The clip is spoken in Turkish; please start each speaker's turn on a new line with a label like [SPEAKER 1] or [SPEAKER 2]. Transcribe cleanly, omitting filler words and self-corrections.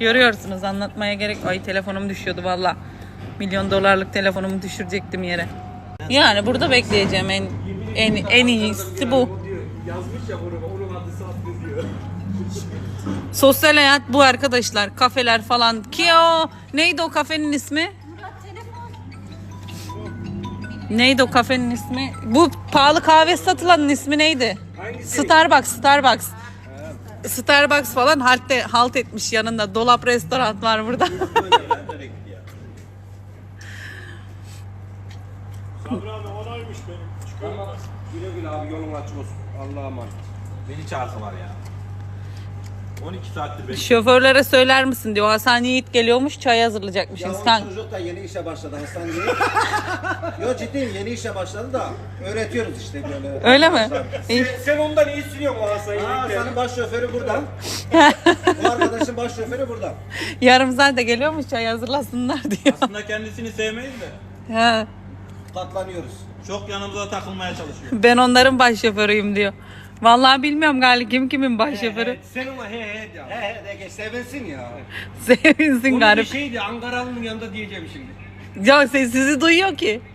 [SPEAKER 1] Görüyorsunuz, anlatmaya gerek. Ay telefonum düşüyordu valla. $1 milyon telefonumu düşürecektim yere. Yani burada bekleyeceğim en iyisi bu.
[SPEAKER 2] Yazmış ya onun adı saat yazıyor.
[SPEAKER 1] Sosyal hayat bu arkadaşlar. Kafeler falan. Ki o neydi o kafenin ismi? Neydi o kafenin ismi? Bu pahalı kahve satılanın ismi neydi?
[SPEAKER 2] Hangisi?
[SPEAKER 1] Starbucks. Starbucks falan halt etmiş yanında. Dolap restoran var burada.
[SPEAKER 2] Sabri abi onaymış benim. Çıkıyorum.
[SPEAKER 3] Güle güle abi, yolun açık olsun. Allah'a emanet.
[SPEAKER 2] Beni çağırsalar ya. 12 saattir bekliyorum.
[SPEAKER 1] Şoförlere söyler misin diyor. Hasan Yiğit geliyormuş, çay hazırlayacakmışsınız.
[SPEAKER 3] Ya o çocuk da yeni işe başladı Hasan Yiğit. Yo ciddiyim, yeni işe başladı da öğretiyoruz işte böyle.
[SPEAKER 1] Öyle mi? İyi.
[SPEAKER 2] Sen ondan iyi sürüyorsun o Hasan'ı.
[SPEAKER 3] Hasan'ın baş şoförü burada. Bu arkadaşın baş şoförü burada.
[SPEAKER 1] Yarım saatte geliyormuş, çay hazırlasınlar diyor.
[SPEAKER 2] Aslında kendisini sevmeyiz de
[SPEAKER 1] Ha,
[SPEAKER 3] Katlanıyoruz.
[SPEAKER 2] çok yanımıza takılmaya çalışıyor.
[SPEAKER 1] ben onların baş şoförüyüm diyor. Vallahi bilmiyorum galiba kim kimin baş şoförü.
[SPEAKER 2] Sen ona he ya.
[SPEAKER 3] He de geç sevinsin ya.
[SPEAKER 1] Sevinsin
[SPEAKER 2] Onun bir
[SPEAKER 1] garip.
[SPEAKER 2] şeydi Ankaralı'nın yanında diyeceğim şimdi.
[SPEAKER 1] Ya sizi duyuyor ki.